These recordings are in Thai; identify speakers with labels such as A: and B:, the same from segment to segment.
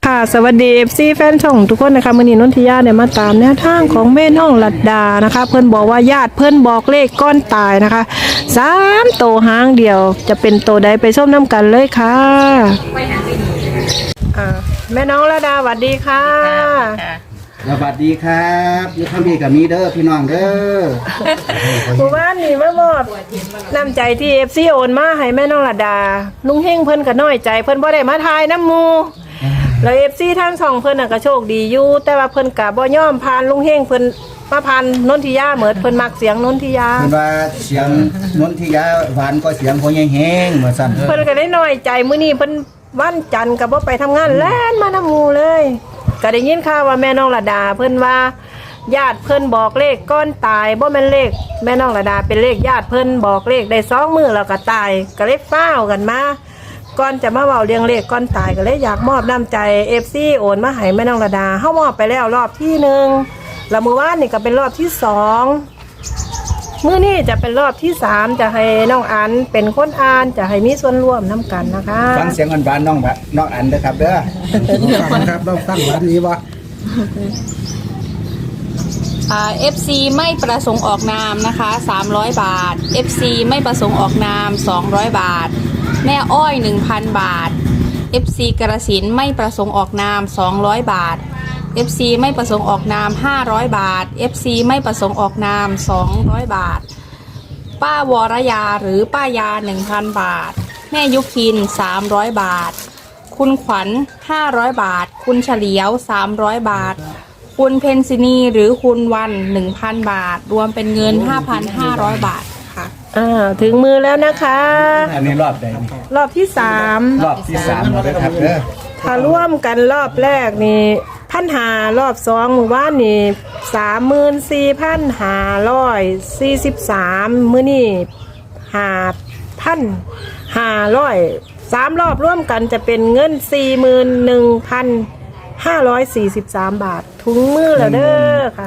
A: ค่ะสวัสดี FC แฟนช่องทุกคนนะคะมื้อนี้นนทิยาได้มาตามแนวทางของแม่น้องลัดดานะคะเพิ่นบอกว่าญาติเพิ่นบอกเลขก้อนตายนะคะ3โตวหางเดียวจะเป็นโตวใดไปชมน้ำกันเลยค่ะแม่น้องลัดดาสวัสดีค่ะ
B: สวัสดีครับอยู่ทางพี่กับมีเด้อพี่น้องเด้อ
A: หมู่บ้านนี่มามอบน้ำใจที่ FC โอนมาให้แม่น้องลัดดาลุงเฮงเพิ่นก็น้อยใจเพิ่นบ่ได้มาทายน้ำหมู่แล้ว FC ทางช่องเพิ่นน่ะก็โชคดีอยู่แต่ว่าเพิ่นก็บ่ยอมผ่านลุงเฮงเพิ่นมาผ่านนนทิยาเหมือนเพิ่นมักเสียงนนทิยา
B: เพิ่นว่าเสียงนนทิยาหวานก็เสียงพ่อใหญ่แฮงเหมือนสั่น
A: เพิ่นก็ได้น้อยใจมื้อนี้เพิ่นวันจันทร์ก็บ่ไปทำงานแล่นมาน้ำหมู่เลยก็ได้ยินข่าวว่าแม่น้องระดาเพิ่นว่าญาติเพิ่นบอกเลขก้อนตายบ่แม่นเลขแม่น้องระดาเป็นเลขญาติเพิ่นบอกเลขได้2มื้อแล้วก็ตายก็เลยฟ้าวกันมาก่อนจะมาเว้าเรื่องเลขก้อนตายก็เลยอยากมอบน้ำใจ FC โอนมาให้แม่น้องระดาเฮามอบไปแล้วรอบที่1แล้วมื้อวานนี่ก็เป็นรอบที่2มื้อนี้จะเป็นรอบที่3จะให้น้องอันเป็นคนอ่านจะให้มีส่วนร่วมนํกันนะคะ
B: ฟังเสียงหวานๆน้องอันเด้อครับเด้อฟังครับเราฟังหวานนี้บ่
C: FC ไม่ประสงค์ออกนามนะคะ300 บาท FC ไม่ประสงค์ออกนาม200 บาทแม่อ้อย 1,000 บาท FC กระสินไม่ประสงค์ออกนาม200 บาท FC ไม่ประสงค์ออกนาม500 บาท FC ไม่ประสงค์ออกนาม200 บาทป้าวรยาหรือป้ายา 1,000 บาทแม่ยุพิน300 บาทคุณขวัญ500 บาทคุณเฉลียว300 บาทคุณเพนซินีหรือคุณวัน 1,000 บาทรวมเป็นเงิน 5,500 บาทค่ะ
A: ถึงมือแล้วนะคะ
B: อันนี้รอบใดนี่
A: รอบที่3
B: รอบที่3แล้วนะครับเด้อ
A: ถ้าร่วมกันรอบแรกนี่1,500รอบ2หมู่บ้านนี่34,543มื้อนี้5,500 3รอบร่วมกันจะเป็นเงิน 41,543 บาทถุงมือแล้วเด้อค่ะ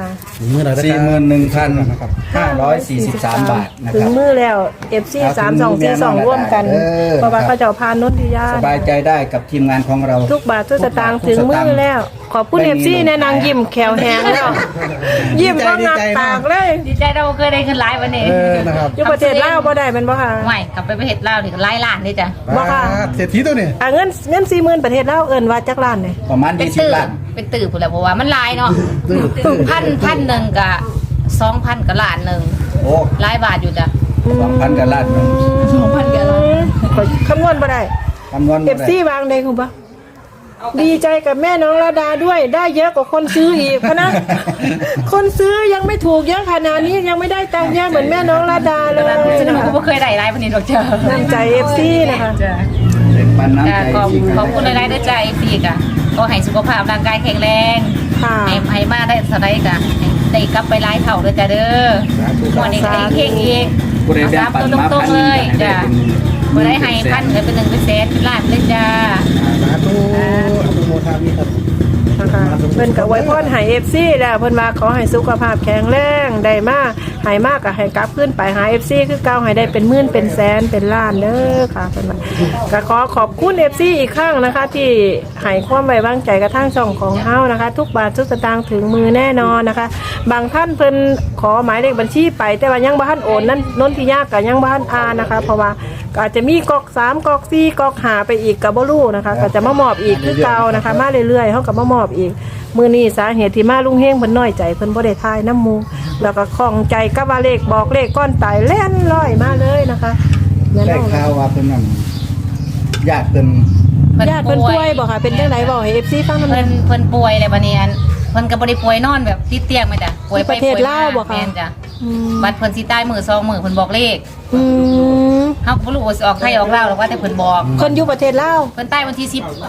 B: 41,543 บาทนะ
A: ถึ
B: ค
A: ง
B: รับ
A: มือแล้ว FC 3242ร่วมกันเพราะว่าเขาเจ้าพานนนทิยา
B: สบายใจได้กับทีมงานของเรา
A: ทุกบาททุกสตางค์ถึงมือแล้วขอบคุณ FC แนะนางยิ้มแขวแหงแล้วยิ้มก็งักปากเลย
D: ดีใจเราเคยได้ขึ้นไลฟ์วันนี้
B: นะครับ
A: อยู่ประเทศลาวบ่ได้แม่นบ่ค่ะ
D: ไม่กลับไปประเทศลาวนี่ก็ไล่ล้านนี่จ้ะ
A: บ่ค่ะ
E: เศรษฐีตัวนี้
A: เงิน 40,000ประเทศลาวเอิ้นว่าจักล้านนี่
B: ประมาณ
D: เป็น
B: 20 ล้าน
D: เป็นตื่นผู้แล้วเพราะว่ามันไลน์เนาะพันหนึ่งกับ2,000กับล้านหนึ่ง
B: โอ้
D: ไลน์บาทอยู่จ้ะ
B: 2,000กับล้านหนึง
D: 2,000กับล้าน
A: คำนวณบ่ได้
B: คำนวณบ่ได้
A: FC วางได้คุณบ่ดีใจกับแม่น้องระดาด้วยได้เยอะกว่าคนซื้ออีกนะ คนซื้อยังไม่ถูกเยอะขนาดนี้ยังไม่ได้ตังค์เยอะเหมือนแม่น้องระดาเลย
D: ฉะนั้นผมก็เคยได้ไลฟ์วันนี้หรอกจ้ะ
A: น้ำใจ FC นะคะ
D: จ้ะ
B: เป็นปันน้ำใจ
D: ขอบคุณไลฟ์ด้วยใจพี่กะก็ให้สุขภาพร่างกายแข็งแรง
A: ค่ะ
D: ให้มาได้สไลด์กะได้กลับไปไลฟ์เท่าด้วยจ้ะเด้อวันนี้ได้เข่งอีก
B: ผู้ใด
D: เอา
B: แบ่ง
D: สาม
B: ปัน
D: ตัว
B: มา
D: ตรง
B: พัน
D: ๆเลย
B: ได้
D: จ้ะ
B: เป็น
D: บ่ได้ให้พันเลยเป็น1เป็นแสนเป็นล้านเลยจ้า
E: สาธุอนุโมทามิครับ
A: นะคะเพิ่นก็อวยพรให้ FC แล้วเพิ่นว่าขอให้สุขภาพแข็งแรงได้มาให้มากก็ให้กลับขึ้นไปหา FC คือเก่าให้ได้เป็นหมื่นเป็นแสนเป็นล้านเด้อค่ะเพิ่นว่าก็ขอขอบคุณ FC อีกครั้งนะคะ ที่ให้ความไว้วางใจกับทางช่องของเฮานะคะ ทุกบาททุกสตางค์ถึงมือแน่นอนนะคะ บางท่านเพิ่นขอหมายเลขบัญชีไปแต่ว่ายังบ่ทันโอนนั่นนนทิยาก็ยังบ่ทันอ่านนะคะ เพราะว่าก็อาจจะมีกอก3กอก4กอก5ไปอีกก็บ่รู้นะคะก็จะมามอบอีกคือเก่านะคะ มาเรื่อยๆเฮาก็มามอบอีกมื้อนี้สาเหตุที่มาลุงเฮงเพิ่นน้อยใจเพิ่นบ่ได้ทายน้ำหมู่แล้วก็ข้องใจกับว่าเลขบอกเลขก้อนตายแล่นลอยมาเลยนะคะแม่
B: ได้
A: น้อง
B: ข่าวว่าเพิ่นนั่นญาติเพิ่น
A: ญาติเพิ่นป่วยบ่ค่ะเป็นจังไดบ่ให้ FC ฟังนำ
D: เพิ่นป่วยเลยบัดนี้อันเพิ่นก็บ่ได้ป่วยนอนแบบติดเตียงมาจ้ะป่วยไป
A: ประเทศ
D: ป่วย
A: ลาวบ่คะ
D: แม่นจ้ะ
A: อืม
D: บัดเพิ่นสิตายมื้อ2มื้อเพิ่นบอกเลข
A: อืม
D: เฮาก็บ่รู้ว่าสิออกไทยออกลาวหรอกว่าแต่เพิ่นบอก
A: คนอยู่ประเทศลาว
D: เพิ่นตายวันที่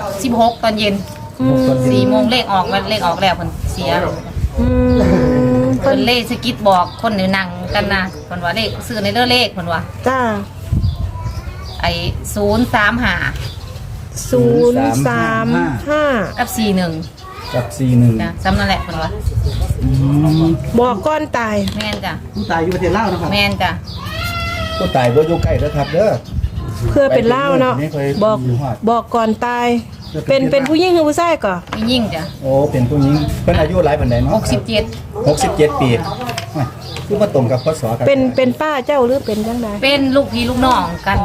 D: 16ตอนเย็น
A: อืม
D: 4 โมงเลขออกวันเลขออกแล้วเพิ่นเสีย
A: อืม
D: เพิ่นเลขสะกิดบอกคนอยู่นั่งกันนะเพิ่นว่าเลขซื้อในเด้อเลขเพิ่นว่า
A: จ้า
D: ไอ้035
A: 035
D: กับ41
B: กับ41
D: จ้ะซ้ำนั่นแหละเพิ่นว่า
A: บอกก้อนตาย
D: แม่นจ้ะ
E: ผู้ตายอยู่ประเทศลาวนะครับ
D: แม่นจ้ะ
B: ผู้ตายบ่อยู่ใกล้เด้อครับเด้อ
A: เพื่อเป็นเล่าเนาะ
B: ไม่เคย
A: บอก
B: อยู่ฮอด
A: บอกก่อนตาย
B: เ
A: เป็นผู้หญิงหรือผู้ชายก่อ
D: มียิ่งจ้ะ
B: โอ้เป็นผู้หญิงเพิ่นอายุหลายปานใดเนาะ
D: 67
B: 67 ปีโอ้ยคือบ่ตรงกับพศกัน
A: เป็นป้าเจ้าหรือเป็นจังได
D: เป็นลูกพี่ลูกน้องกัน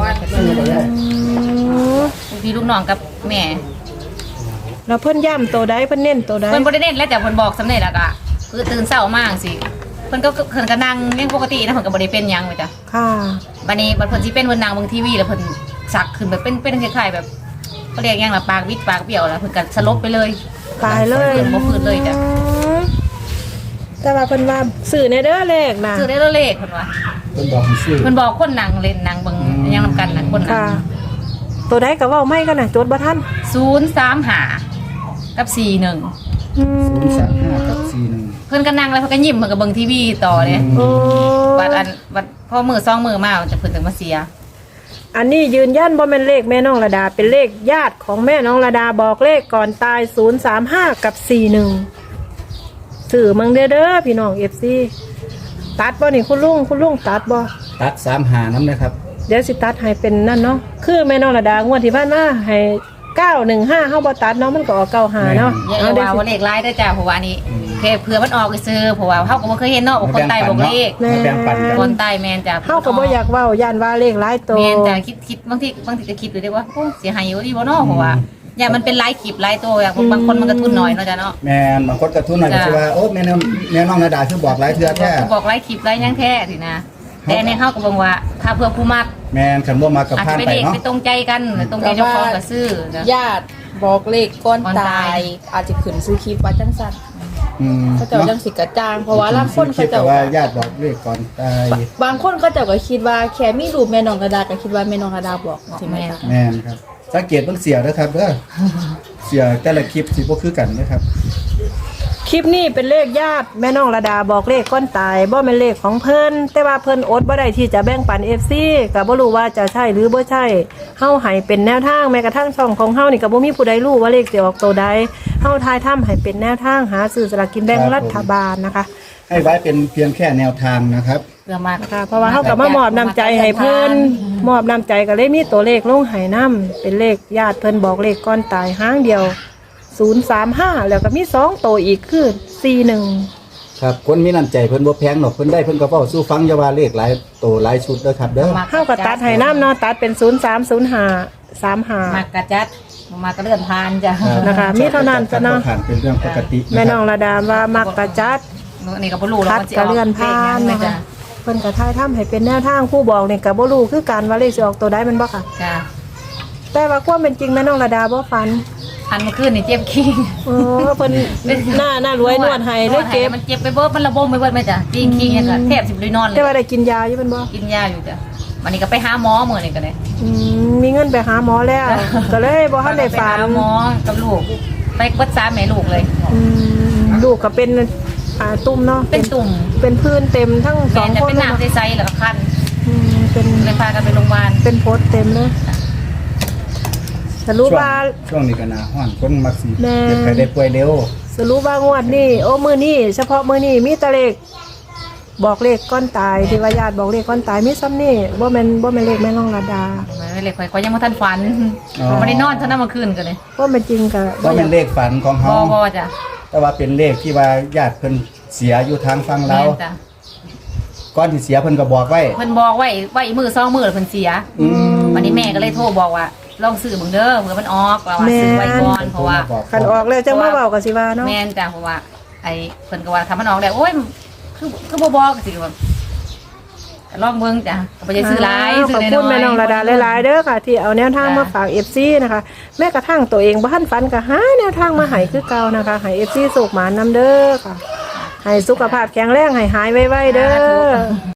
D: ลูกพี่ลูกน้องกับแม่
A: แล้วเพิ่นย่ำตัวใดเพิ่นเน้นตัวใด
D: เพิ่นบ่ได้เน้นแล้วแต่เพิ่นบอกสำเร็จแล้วก็คือตื่นเช้ามากสิเพิ่นก็นั่งเลี้ยงปกตินะเพิ่นก็บ่ได้เป็นหยังเลยจ้ะ
A: ค่ะ
D: บัดนี้บัดเพิ่นสิเป็นเพิ่นนั่งเบิ่งทีวีแล้วเพิ่นสักขึ้นแบบเป็นคล้ายๆแบบเขาเรียกหยังล่ะปากวิดปากเบี้ยวแล้วเพิ่นก็สลบไปเลย
A: ตายเลย
D: เพิ่นบ่ฟื้นเลยจ้ะ
A: แต่ว่าเพิ่นว่าสื่อในเด้อเลขนะ
D: ซื้อได้แล้วเลขเพิ่นว่า
B: เพิ่นบอกให้ซื้อ
D: เพิ่นบอกคนนั่งเล่นนั่งเบิ่งหยังนำกันน่ะคนนั่
A: ค่ะ
D: ง
A: ตัวใดก็เว้าไม่กันน่ะจดบ่ทัน
D: 035กับ41
A: อืม
B: 035กับ41
D: เพิ่นก็นั่งแล้วเพิ่นก็ยิ้มเพิ่นก็เบิ่งทีวีต่อเลย
A: โอ้
D: บัดพอมือ2มือมาจะเพิ่นถึงมาเสีย
A: อันนี้ยืนยันบ่แม่นเลขแม่น้องระดาเป็นเลขญาติของแม่น้องระดาบอกเลขก่อนตาย035กับ41สื่อมังเด้อพี่น้อง FC ตัดบ่นี่คุณลุงตัดบ่
B: ตัด35นำนะครับ
A: เดี๋ยวสิตัดให้เป็นนั่นเนาะคือแม่น้องระดางวดที่ผ่านมาให้915เฮาบ่ตัดเนาะมันก็ออก95เนาะ
D: อย่า
A: เอา
D: ว่าว่าเลขร้ายเด้อจ้าเพราะว่านี่แค่เผื่อมันออกซื้อเพราะว่าเฮาก็บ่เคยเห็นเนาะว่าคนใต้บอกเลข
B: มาแบ่งปันกัน
D: คนใต้แม่นจ้ะ
A: เฮาก็บ่อยากเว้าย่านว่าเลขหลายตัว
D: แม่นจ้ะคิดบางทีก็คิดอยู่ได้ว่าโอ้เสียหายอยู่ดีบ่เนาะเพราะว่าอย่ามันเป็นหลายคลิปหลายตัวอย่างบางคนมันก็ทุนน้อยเนาะจ้ะเนาะ
B: แม่นบางคนกระทุนหน่อยก็สิว่าโอ้แม่น้องนาดาคือบอกหลายเทื่อแท้
D: บอกหลายคลิปหลายหยังแท้สินะแต่ในเฮาก็บอกว่าถ้าเพื่อผู้มัก
B: แม่นคันบ่มากับ
D: อาจ
B: พา
D: จะ
B: น
D: ไป
B: ไป
D: เด็ก
B: เนาะ
D: ไปตรงใจกันตรงใจเจ้าของก็ซื้อจ้ะ
C: ญาติบอกเลขก้อน
D: ก่อนตา
C: ตาย ย อาจจะขึ้นซื้อคลิปว่าจังซั่น
B: อืม
C: เขาเจ้าจังสิกระจางเพราะว่าลางคนเขา
B: คิด
C: เจ้า
B: ว่าญาติบอกเลขก่อนตาย
C: บางคนเขาเจ้าก็คิดว่าแค่มีรูปแม่น้องระดาก็คิดว่าแม่น้องระดาบอกใช่ไหมคะ
B: แม่นครับสังเกตเบิ่งเสียเด้อครับเด้อเสียแต่ละคลิปสิบ่คือกันนะครับ
A: คลิปนี้เป็นเลขญาติแม่น้องระดาบอกเลขก้อนตายบ่แม่นเลขของเพิ่นแต่ว่าเพิ่นอดบ่ได้ที่จะแบ่งปัน FC ก็บ่รู้ว่าจะใช่หรือบ่ใช่เฮาให้เป็นแนวทางแม้กระทั่งช่องของเฮานี่ก็บ่มีผู้ใดรู้ว่าเลขสิออกตัวใดเฮาทายทํให้เป็นแนวทางหาซื้อสลากกินแบ่งรัฐบาลนะคะ
B: ให้ไว้เป็นเพียงแค่แนวทางนะครับ
D: เพื่อมาก
A: ค่ะเพราะว่าเฮาก็มามอบน้ำใจให้เพิ่นมอบน้ำใจก็เลยมีตัวเลขลงให้นํเป็นเลขญาติเพิ่นบอกเลขก้อนตายหางเดียว035แล้วก็มี2ตัวอีกคือ41
B: ครับคนมีน้ำใจเพิ่นบ่แพงหรอกเพิ่นได้เพิ่นก็เว้าสู้ฟังอย่าว่าเลขหลายโตหลายชุดเด้อครับเด้อ
A: เฮาก็ตัดให้น้ำเนาะตัดเป็น030535
D: มากกระจัดมากระเลื่อนพานจ้ะ
A: นะคะมีเท่านั้นจ้ะเนาะ
B: ผ่านเป็นเรื่องปกติ
A: แม่น้องระดาว่ามักกะจัด
D: นี่ก็บ่รู้แล้ว
A: คัด
D: มันสิ
A: กะ
D: ออก
A: เลื่อน
D: เลข
A: ผ่า
D: ยั
A: น
D: งไง
A: นะคะ
D: จ้ะ
A: เพิ่นก็ทายทำให้เป็นแนวทางผู้บอกนี่ก็บ่รู้คือการว่าเลขสิออกตัวใดแมันบ่ค่ะ
D: จ้ะ
A: แต่ว่าความเป็นจริงแม่น้องระดาบ่ฝัน
D: อันเมื่อคืนนี่เจ็บขี้
A: เออเพิ่นหน้ารวยนวดให้เลยเก็บ
D: มันเจ็บไปเบิดมันระบมไปเบิดไหมจ้ะจริงขี้เนี่ยก็แทบสิบ่ได้นอนเล
A: แต่
D: ย
A: ว่าได้กินยาอยู่แม่นบ่
D: กินยาอยู่จ้ะวันนี้ก็ไปหาหมอมื้อนี้ก็ได้
A: มีเงินไปหาหมอแล้ว ก็เลยบ่ทันได้
D: ไป
A: ฝัน
D: หาหมอกับลูกไปเบิด3แม่ลูกเลย
A: อืมลูกก็เป็นตุ่มเนาะ
D: เป็นตุ่ม
A: เป็นพื้นเต็มทั้งส
D: แม่
A: อง
D: จะ
A: คน
D: เป็น
A: เลย
D: น้ำ
A: เนาะ
D: ใสๆแล้วก็คัน
A: เป็น
D: เลยพากันไปโรงพยาบาล
A: เป็นโพสต์เต็มเลยสรุปว่า
B: ช่วงนี้ก็หน้าร้อนคนมักสิ
A: แม่
B: เจ็บไข้ได้ป่วยเร็ว
A: สรุปว่างวดนี้โอ้มือนี้เฉพาะมือนี้มีแตะเลขบอกเลขก้อนตายที่ว่าญาติบอกเลขก้อนตายมีซ้ำนี่บ่แม่นเลขแม่น้องระดา
D: ไม่เลยข่อยยังบ่ทันฝันบ่ได้นอนเท่านั้นเมื่อคืนก็เลย
A: ว่ามันจริงก็
B: บ่แม่นเลขฝันของเฮา
D: บ่จ้ะ
B: แต่ว่าเป็นเลขที่ว่าญาติเพิ่นเสียอยู่ทางฝั่ง
D: แม่
B: ลาว
D: จ้ะ
B: ก่อนที่เสียเพิ่นก็บอกไว้
D: เพิ่นบอกไว้อีกมื้อ2มื้อแล้วเพิ่นเสีย วันนี้แม่ก็เลยโทรบอกว่าลองซื้อเบิ่งเด้อเผื่อมันออกว่าซื้อไว้ก่อนเพราะว่า
A: คันออกแล้วจังมาเว้ากับสิว่าเนาะ
D: แม่นจ้ะเพราะว่าไอ้เพิ่นก็ว่าถ้ามันออกแล้วโอ้ยคือบ่บอกสิว่าลองเบิ่งจ้ะก็บ่ได้ซื้อหลาย
A: ข
D: ซื้
A: อบ
D: อ
A: คุ
D: น้
A: ณ
D: อยๆ
A: แม่น้องระดาหลายๆเด้อค่ะ ที่เอาแนวทางมาฝาก FC นะคะ แม้กระทั่งตัวเองบ่ทันฝันก็หาแนวทางมาให้คือเก่านะคะให้ FC สุขหมานนำเด้อค่ะ ให้สุขภาพแข็งแรงให้หายไวๆเด้อ